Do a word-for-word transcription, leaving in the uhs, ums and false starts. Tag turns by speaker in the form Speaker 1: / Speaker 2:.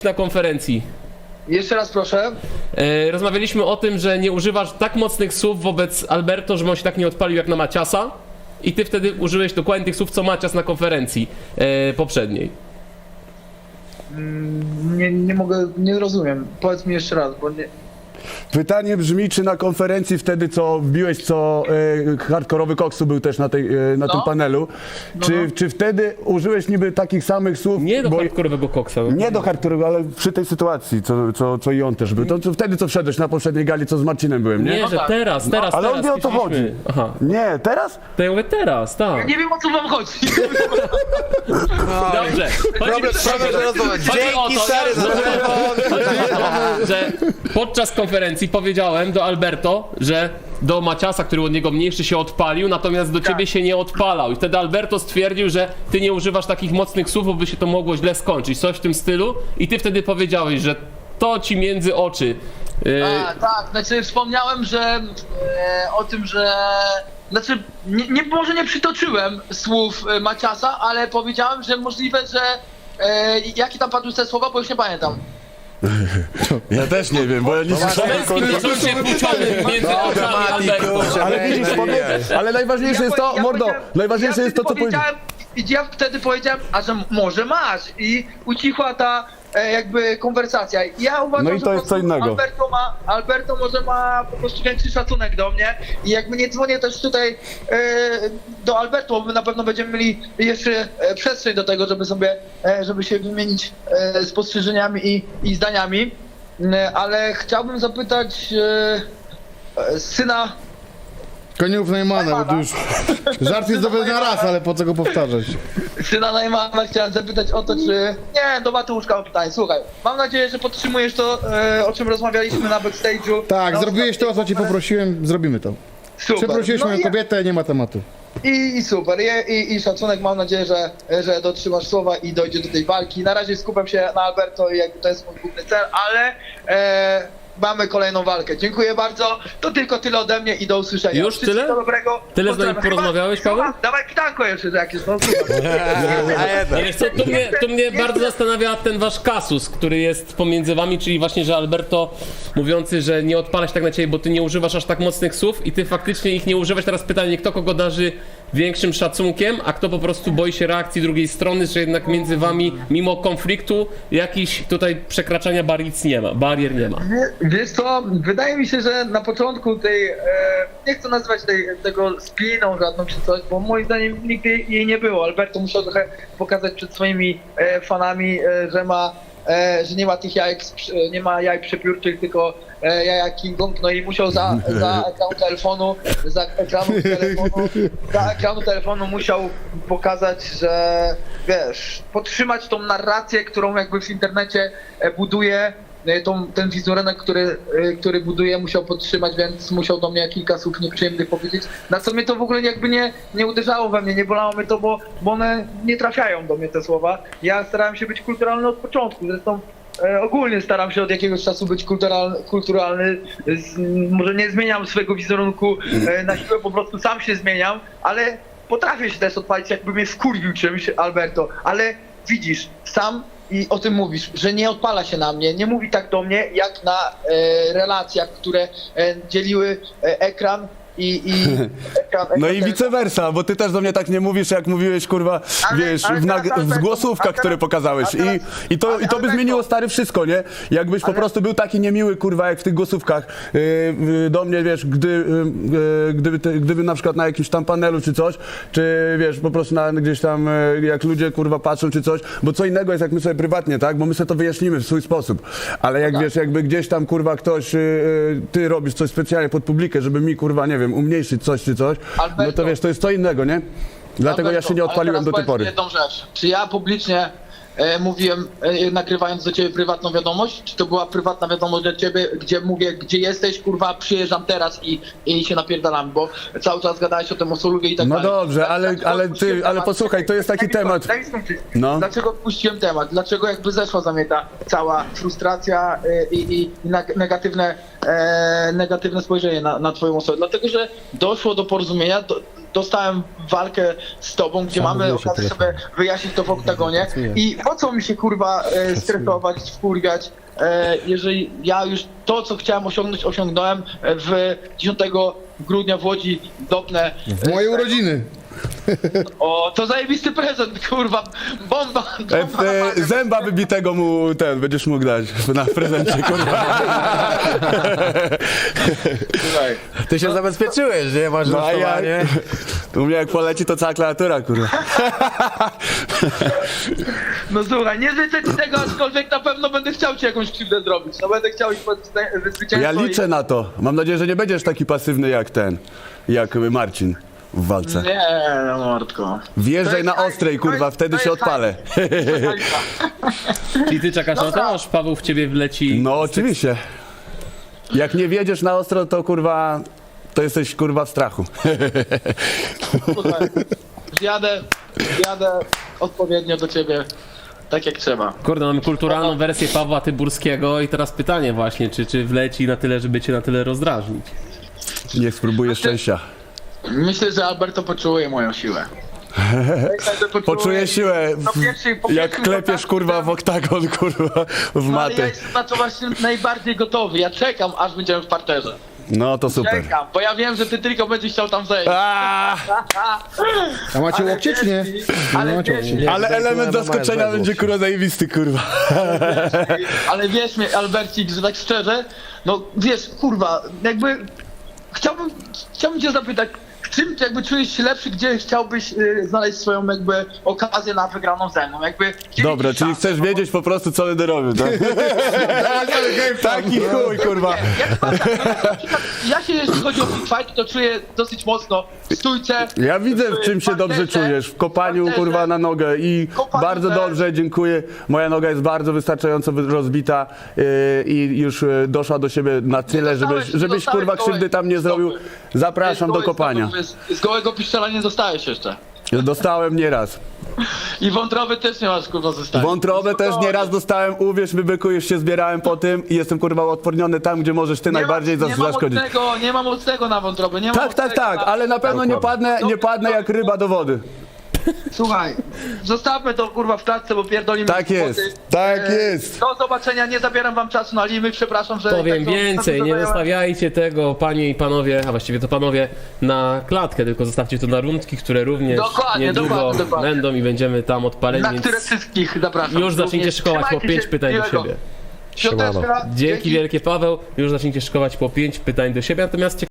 Speaker 1: na konferencji.
Speaker 2: Jeszcze raz proszę.
Speaker 1: E, rozmawialiśmy o tym, że nie używasz tak mocnych słów wobec Alberto, żeby on się tak nie odpalił jak na Maciasa. I ty wtedy użyłeś dokładnie tych słów, co Macias na konferencji e, poprzedniej.
Speaker 2: Mm, Nie, nie mogę, nie rozumiem. Powiedz mi jeszcze raz, bo nie...
Speaker 3: Pytanie brzmi, czy na konferencji wtedy, co wbiłeś, co e, hardkorowy Koksu był też na, tej, e, na
Speaker 2: No.
Speaker 3: tym panelu,
Speaker 2: No,
Speaker 3: czy,
Speaker 2: no.
Speaker 3: czy wtedy użyłeś niby takich samych słów?
Speaker 1: Nie do
Speaker 3: bo-
Speaker 1: hardkorowego koksa.
Speaker 3: Nie do hardkorowego, ale przy tej sytuacji, co, co, co i on też był. To, to wtedy, co wszedłeś na poprzedniej gali, co z Marcinem byłem, nie?
Speaker 1: Nie,
Speaker 2: No
Speaker 1: że
Speaker 2: tak.
Speaker 1: teraz, teraz,
Speaker 3: Ale on
Speaker 1: teraz.
Speaker 3: wie, o co
Speaker 1: chcieliśmy-
Speaker 3: chodzi.
Speaker 1: Aha,
Speaker 3: Nie, teraz?
Speaker 1: to ja mówię teraz, tak.
Speaker 2: Nie wiem, o co wam chodzi.
Speaker 1: Dobrze. Chodzi,
Speaker 4: Problem, problem, że rozmawiać.
Speaker 1: chodzi o
Speaker 4: Dzięki
Speaker 1: to,
Speaker 4: stary za
Speaker 1: że-
Speaker 4: telefon.
Speaker 1: chodzi o to, że podczas konferencji powiedziałem do Alberto, że do Maciasa, który od niego mniejszy, się odpalił, natomiast do ciebie się nie odpalał. I wtedy Alberto stwierdził, że ty nie używasz takich mocnych słów, bo by się to mogło źle skończyć. Coś w tym stylu. I ty wtedy powiedziałeś, że to ci między oczy. Yy,
Speaker 2: A, tak, znaczy wspomniałem, że e, o tym, że... Znaczy, nie, nie, może nie przytoczyłem słów e, Maciasa, ale powiedziałem, że możliwe, że... E, jakie tam padły te słowa, bo już nie pamiętam.
Speaker 3: Ja też nie wiem, bo ja nie słyszałem.
Speaker 1: Męskim narządzie płciowym między oczami Alberto.
Speaker 3: Ale widzisz, powiedz, ale najważniejsze jest to,
Speaker 2: Ja
Speaker 3: mordo,
Speaker 2: powiedziałem-
Speaker 3: najważniejsze
Speaker 2: ja
Speaker 3: jest to, co
Speaker 2: wtedy
Speaker 3: powiedziałeś.
Speaker 2: powiedziałem. I ja wtedy powiedziałem, a że może masz i ucichła ta e, jakby konwersacja. I ja uważam,
Speaker 3: No i
Speaker 2: że
Speaker 3: to
Speaker 2: po
Speaker 3: jest co
Speaker 2: prostu
Speaker 3: innego.
Speaker 2: Alberto ma, Alberto może ma po prostu większy szacunek do mnie i jakby nie dzwonię też tutaj e, do Alberto, bo my na pewno będziemy mieli jeszcze e, przestrzeń do tego, żeby sobie, e, żeby się wymienić e, spostrzeżeniami i, i zdaniami, e, ale chciałbym zapytać e, e, syna.
Speaker 5: Koniów Neumana, bo to już żart jest dobry na raz, ale po co go powtarzać?
Speaker 2: Syna Najmana chciałem zapytać o to, czy... Nie, do Mateuszka mam pytanie. Słuchaj, mam nadzieję, że podtrzymujesz to, e, o czym rozmawialiśmy na backstage'u.
Speaker 5: Tak,
Speaker 2: Na
Speaker 5: zrobiłeś to, o co ci
Speaker 2: ostatniej
Speaker 5: poprosiłem, zrobimy to.
Speaker 2: Super.
Speaker 5: Przeprosiłeś
Speaker 2: No
Speaker 5: moją
Speaker 2: i,
Speaker 5: kobietę, nie ma tematu.
Speaker 2: i, I super, I, i, i szacunek, mam nadzieję, że, że dotrzymasz słowa i dojdzie do tej walki. Na razie skupiam się na Alberto i jakby to jest mój główny cel, ale e, mamy kolejną walkę. Dziękuję bardzo, to tylko tyle ode mnie i do usłyszenia.
Speaker 1: Już
Speaker 2: Wszystkiego
Speaker 1: tyle?
Speaker 2: dobrego.
Speaker 1: Tyle z nami
Speaker 2: Pozdrawiam.
Speaker 1: porozmawiałeś,
Speaker 2: Chyba-
Speaker 1: Paweł?
Speaker 2: Dawaj pytanko jeszcze jakieś, no słuchaj.
Speaker 1: No wiesz co, tu mnie, tu mnie bardzo zastanawia ten wasz kasus, który jest pomiędzy wami, czyli właśnie, że Alberto mówiący, że nie odpala się tak na ciebie, bo ty nie używasz aż tak mocnych słów i ty faktycznie ich nie używasz. Teraz pytanie, kto kogo darzy większym szacunkiem, a kto po prostu boi się reakcji drugiej strony, że jednak między wami, mimo konfliktu, jakiś tutaj przekraczania baric nie ma, barier nie ma.
Speaker 2: Nie, wiesz co, wydaje mi się, że na początku tej, e, nie chcę nazywać tej, tego spiną żadną czy coś, bo moim zdaniem nigdy jej nie było. Alberto musiał trochę pokazać przed swoimi e, fanami, e, że ma, e, że nie ma tych jajek, z przy- nie ma jaj przepiórczych, tylko e, jaja King Kong, no i musiał za, za ekranu telefonu, za ekranu telefonu, za ekranu telefonu musiał pokazać, że wiesz, podtrzymać tą narrację, którą jakby w internecie e, buduje. Tą, ten wizerunek, który, y, który buduje, musiał podtrzymać, więc musiał do mnie kilka słów nieprzyjemnych powiedzieć. Na co mnie to w ogóle jakby nie, nie uderzało we mnie, nie bolało mnie to, bo, bo one nie trafiają do mnie, te słowa. Ja starałem się być kulturalny od początku, zresztą e, ogólnie staram się od jakiegoś czasu być kulturalny, kulturalny. Z, może nie zmieniam swojego wizerunku e, na siłę, po prostu sam się zmieniam, ale potrafię się też odpalić, jakby mnie skurwił czymś Alberto, ale widzisz, sam i o tym mówisz, że nie odpala się na mnie, nie mówi tak do mnie, jak na e, relacjach, które e, dzieliły e, ekran i, i ekran,
Speaker 3: No
Speaker 2: ekran
Speaker 3: i vice versa, bo ty też do mnie tak nie mówisz, jak mówiłeś, kurwa,
Speaker 2: Ale-
Speaker 3: wiesz,
Speaker 2: ale
Speaker 3: w,
Speaker 2: teraz,
Speaker 3: nag- w
Speaker 2: Alberto,
Speaker 3: zgłosówkach,
Speaker 2: a teraz-
Speaker 3: które pokazałeś.
Speaker 2: a teraz-
Speaker 3: I, i, to,
Speaker 2: ale-
Speaker 3: I to by
Speaker 2: Alberto-
Speaker 3: zmieniło, stary, wszystko, nie? Jakbyś po
Speaker 2: Ale-
Speaker 3: prostu był taki niemiły, kurwa, jak w tych głosówkach yy, yy, do mnie, wiesz, gdy, yy, yy, gdyby, te, gdyby na przykład na jakimś tam panelu czy coś, czy wiesz, po prostu na, gdzieś tam, yy, jak ludzie, kurwa, patrzą czy coś, bo co innego jest, jak my sobie prywatnie, tak? Bo my sobie to wyjaśnimy w swój sposób. Ale jak
Speaker 2: tak.
Speaker 3: wiesz, jakby gdzieś tam, kurwa, ktoś, yy, ty robisz coś specjalnie pod publikę, żeby mi, kurwa, nie wiem, umniejszyć coś czy coś, no to
Speaker 2: Alberto.
Speaker 3: wiesz, to jest co innego, nie? Dlatego ja
Speaker 2: Alberto,
Speaker 3: się nie
Speaker 2: ale
Speaker 3: odpaliłem
Speaker 2: teraz
Speaker 3: do tej
Speaker 2: powiedz mi
Speaker 3: pory.
Speaker 2: jedną rzecz. Czy ja publicznie e, mówiłem, e, nagrywając do ciebie prywatną wiadomość, czy to była prywatna wiadomość do ciebie, gdzie mówię, gdzie jesteś, kurwa, przyjeżdżam teraz i, i się napierdalam, bo cały czas gadałeś o tym Osoluwie i tak
Speaker 3: No
Speaker 2: dalej.
Speaker 3: dobrze, ale-
Speaker 2: Dlaczego
Speaker 3: ale
Speaker 2: odpuściłem
Speaker 3: ty- ale
Speaker 2: temat?
Speaker 3: posłuchaj, to jest taki
Speaker 2: Daj mi
Speaker 3: temat-
Speaker 2: skończyć, daj mi skończyć.
Speaker 3: No.
Speaker 2: Dlaczego odpuściłem temat? Dlaczego jakby zeszła za mnie ta cała frustracja e, i, i, i neg- negatywne, e, negatywne spojrzenie na, na twoją osobę? Dlatego, że doszło do porozumienia, do, dostałem walkę z tobą, gdzie
Speaker 4: Sam
Speaker 2: mamy
Speaker 4: mówiłeś o
Speaker 2: okazję sobie
Speaker 4: telefonie.
Speaker 2: wyjaśnić to w oktagonie
Speaker 4: Pracuję.
Speaker 2: i po co mi się kurwa e, stresować, wkurwiać, e, jeżeli ja już to, co chciałem osiągnąć, osiągnąłem e, w dziesiątego grudnia w Łodzi dopnę.
Speaker 5: W moje urodziny.
Speaker 2: O, to zajebisty prezent, kurwa, bomba,
Speaker 3: E,
Speaker 2: bomba.
Speaker 3: e, zęba wybitego mu ten będziesz mógł dać na prezencie, kurwa.
Speaker 2: Słuchaj.
Speaker 4: Ty się zabezpieczyłeś, nie? Masz
Speaker 3: No a ja,
Speaker 4: rusztowanie.
Speaker 3: u mnie jak poleci to cała klawiatura, kurwa.
Speaker 2: No słuchaj, nie życzę ci tego, aczkolwiek na pewno będę chciał ci jakąś krzywdę zrobić. No będę chciał iść pod zwycię- zwycięstwo.
Speaker 3: Ja liczę
Speaker 2: i...
Speaker 3: na to. Mam nadzieję, że nie będziesz taki pasywny jak ten, jak Marcin w walce.
Speaker 2: Nie, no mordko.
Speaker 3: Wjeżdżaj na
Speaker 2: To jest
Speaker 3: ostrej,
Speaker 2: hajs, to
Speaker 3: kurwa,
Speaker 2: jest-
Speaker 3: wtedy
Speaker 2: to
Speaker 3: się
Speaker 2: jest
Speaker 3: odpalę.
Speaker 1: Czyli ty czekasz na to, aż Paweł w ciebie wleci.
Speaker 3: No oczywiście. Jak nie wjedziesz na ostro, to kurwa, to jesteś kurwa w strachu.
Speaker 2: Słuchaj, Jadę, jadę odpowiednio do ciebie, tak jak trzeba.
Speaker 1: Kurde, mamy kulturalną wersję Pawła Tyburskiego i teraz pytanie właśnie, czy, czy wleci na tyle, żeby cię na tyle rozdrażnić?
Speaker 3: Niech spróbuję szczęścia.
Speaker 2: Myślę, że Alberto poczuje moją siłę. Myślę, że poczuje-
Speaker 3: Poczuję siłę,
Speaker 2: Po pierwszej- po
Speaker 3: jak
Speaker 2: pierwszym
Speaker 3: klepiesz
Speaker 2: kontakcie-
Speaker 3: kurwa w oktagon, kurwa, w
Speaker 2: No, ale ja
Speaker 3: matę.
Speaker 2: jestem na to właśnie najbardziej gotowy. Ja czekam, aż będziemy w parterze.
Speaker 3: No to super.
Speaker 2: Czekam, bo ja wiem, że ty tylko będziesz chciał tam zejść.
Speaker 3: Aaaa,
Speaker 5: A macie
Speaker 2: Ale
Speaker 5: łokcie czy nie?
Speaker 2: wiesz,
Speaker 5: Nie
Speaker 2: ale
Speaker 5: macie
Speaker 2: wiesz,
Speaker 5: łokci.
Speaker 3: ale
Speaker 4: Tutaj
Speaker 3: element
Speaker 4: kurwa
Speaker 3: zaskoczenia
Speaker 4: masz
Speaker 3: będzie
Speaker 4: według.
Speaker 3: kurwa zajebisty, kurwa.
Speaker 2: Ale wiesz mnie, Albercik, że tak szczerze, no wiesz, kurwa, jakby chciałbym, chciałbym cię zapytać, w czym ty jakby czujesz się lepszy, gdzie chciałbyś y, znaleźć swoją jakby okazję na wygraną ze mną, jakby... gdzie
Speaker 3: Dobra,
Speaker 2: widzisz
Speaker 3: czyli
Speaker 2: szansę?
Speaker 3: chcesz
Speaker 2: No bo-
Speaker 3: wiedzieć po prostu co będę robił, tak? Taki chuj, kurwa.
Speaker 2: Ja, chyba tak, no, na przykład ja się, jeśli chodzi o Big Fight, to czuję dosyć mocno w stójce.
Speaker 3: Ja widzę, w czym się dobrze
Speaker 2: parterze,
Speaker 3: czujesz. W kopaniu,
Speaker 2: parterze.
Speaker 3: kurwa, na nogę i
Speaker 2: Kopaniu
Speaker 3: bardzo
Speaker 2: też.
Speaker 3: dobrze, dziękuję. Moja noga jest bardzo wystarczająco wy- rozbita yy, i już yy, doszła do siebie na tyle,
Speaker 2: dostałeś-
Speaker 3: żebyś,
Speaker 2: nie
Speaker 3: żebyś
Speaker 2: dostałeś
Speaker 3: kurwa, krzywdy tam nie zrobił.
Speaker 2: stopy.
Speaker 3: Zapraszam do
Speaker 2: Gołej
Speaker 3: kopania.
Speaker 2: stopy, Z, z gołego piszczela nie dostałeś jeszcze.
Speaker 3: Dostałem nieraz.
Speaker 2: I wątroby też nie masz, kurwa, zostawić.
Speaker 3: Wątrobę też nieraz dostałem, uwierz mi, byku, już się zbierałem po tym i jestem kurwa odporniony tam, gdzie możesz ty najbardziej
Speaker 2: nie ma,
Speaker 3: zas-
Speaker 2: nie ma
Speaker 3: zaszkodzić.
Speaker 2: mocnego, nie ma mocnego na wątrobę, nie ma
Speaker 3: Tak, tak,
Speaker 2: mocnego
Speaker 3: tak,
Speaker 2: na...
Speaker 3: ale na pewno nie padnę, nie padnę jak ryba do wody.
Speaker 2: Słuchaj, zostawmy to kurwa w klatce, bo pierdolimy
Speaker 3: Tak jest,
Speaker 2: głupoty.
Speaker 3: tak
Speaker 2: E,
Speaker 3: jest.
Speaker 2: Do zobaczenia, nie zabieram wam czasu na limy, przepraszam, że...
Speaker 1: Powiem
Speaker 2: tak to-
Speaker 1: więcej,
Speaker 2: tak
Speaker 1: nie
Speaker 2: to zająłem.
Speaker 1: zostawiajcie tego, panie i panowie, a właściwie to panowie, na klatkę, tylko zostawcie to na rundki, które również
Speaker 2: Dokładnie,
Speaker 1: niedługo
Speaker 2: dokładnie, dokładnie.
Speaker 1: będą i będziemy tam odpaleni,
Speaker 2: Na
Speaker 1: więc
Speaker 2: które wszystkich zapraszam.
Speaker 1: już zacznijcie
Speaker 2: Również.
Speaker 1: szkołać po
Speaker 2: Trzymajcie
Speaker 1: pięć
Speaker 2: się,
Speaker 1: pytań do
Speaker 2: miłego.
Speaker 1: siebie.
Speaker 2: Piąteczka,
Speaker 1: Dzięki wielkie Paweł, już zacznijcie szkołać po pięć pytań do siebie, natomiast